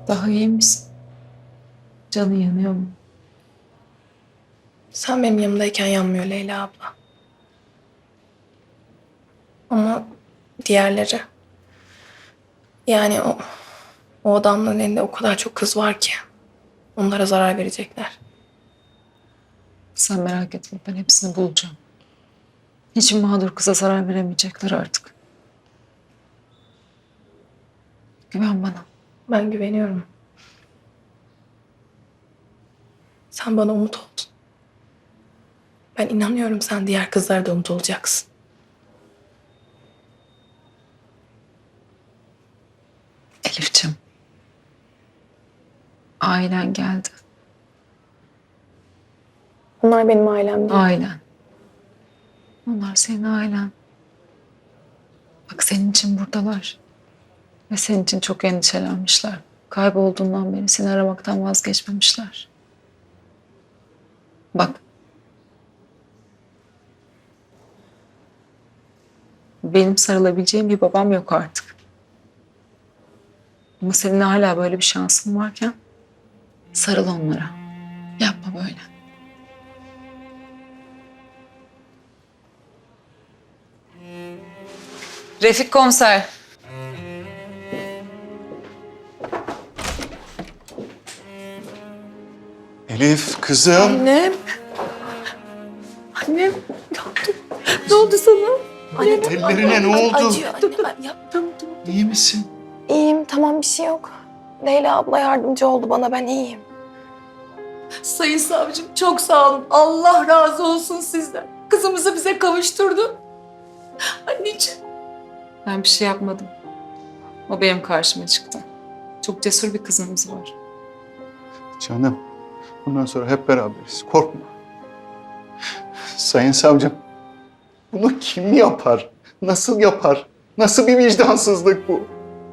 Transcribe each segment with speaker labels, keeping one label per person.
Speaker 1: Daha iyi misin? Canın yanıyor mu?
Speaker 2: Sen benim yanımdayken yanmıyor Leyla abla. Ama diğerleri... Yani o adamların elinde o kadar çok kız var ki. Onlara zarar verecekler.
Speaker 1: Sen merak etme, ben hepsini bulacağım. Hiç mağdur kıza zarar veremeyecekler artık. Güven bana.
Speaker 2: Ben güveniyorum. Sen bana umut oldun. Ben inanıyorum sen diğer kızlara da umut olacaksın.
Speaker 1: Elif'ciğim. Ailen geldi.
Speaker 2: Onlar benim ailem değil.
Speaker 1: Ailen. Onlar senin ailen. Bak senin için buradalar. Ve senin için çok endişelenmişler. Kaybolduğundan beri seni aramaktan vazgeçmemişler. Bak. Benim sarılabileceğim bir babam yok artık. Ama senin hala böyle bir şansın varken sarıl onlara. Yapma böyle. Refik komiser.
Speaker 3: Elif kızım.
Speaker 2: Annem. Annem. Ne oldu? Ne oldu sana? Annem,
Speaker 3: Ellerine ne oldu?
Speaker 2: Acıyor anne. Ben yaptım.
Speaker 3: İyi misin?
Speaker 2: İyiyim, tamam, bir şey yok. Leyla abla yardımcı oldu bana, ben iyiyim.
Speaker 4: Sayın savcım çok sağ olun. Allah razı olsun sizden. Kızımızı bize kavuşturdu. Anneciğim.
Speaker 1: Ben bir şey yapmadım. O benim karşıma çıktı. Çok cesur bir kızımız var.
Speaker 3: Canım, bundan sonra hep beraberiz. Korkma. Sayın savcım, bunu kim yapar? Nasıl yapar? Nasıl bir vicdansızlık bu?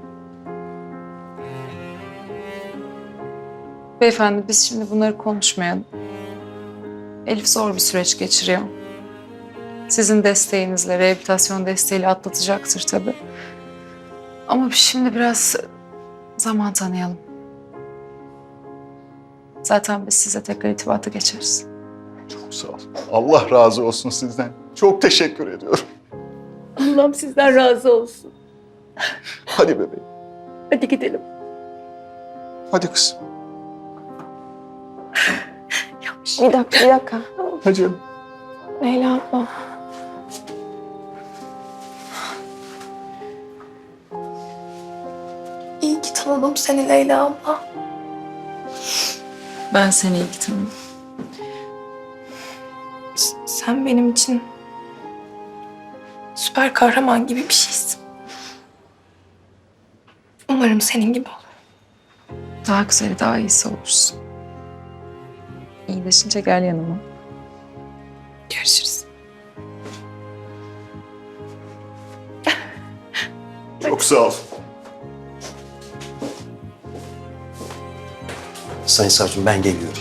Speaker 1: Beyefendi biz şimdi bunları konuşmayalım. Elif zor bir süreç geçiriyor. Sizin desteğinizle, rehabilitasyon desteğiyle atlatacaktır tabii. Ama şimdi biraz zaman tanıyalım. Zaten biz size tekrar irtibata geçeriz.
Speaker 3: Çok sağ ol. Allah razı olsun sizden. Çok teşekkür ediyorum.
Speaker 4: Allah'ım sizden razı olsun.
Speaker 3: Hadi bebeğim.
Speaker 4: Hadi gidelim.
Speaker 3: Hadi kızım.
Speaker 2: Bir dakika.
Speaker 3: Hadi canım.
Speaker 2: Leyla abla. İyi ki tanıdım seni Leyla abla.
Speaker 1: Ben seni iyi tanıdım.
Speaker 2: Sen benim için süper kahraman gibi bir şeysin. Umarım senin gibi olur.
Speaker 1: Daha güzeli, daha iyisi olursun. İyileşince gel yanıma.
Speaker 2: Görüşürüz.
Speaker 3: Çok sağ ol.
Speaker 5: Sayın savcım ben geliyorum.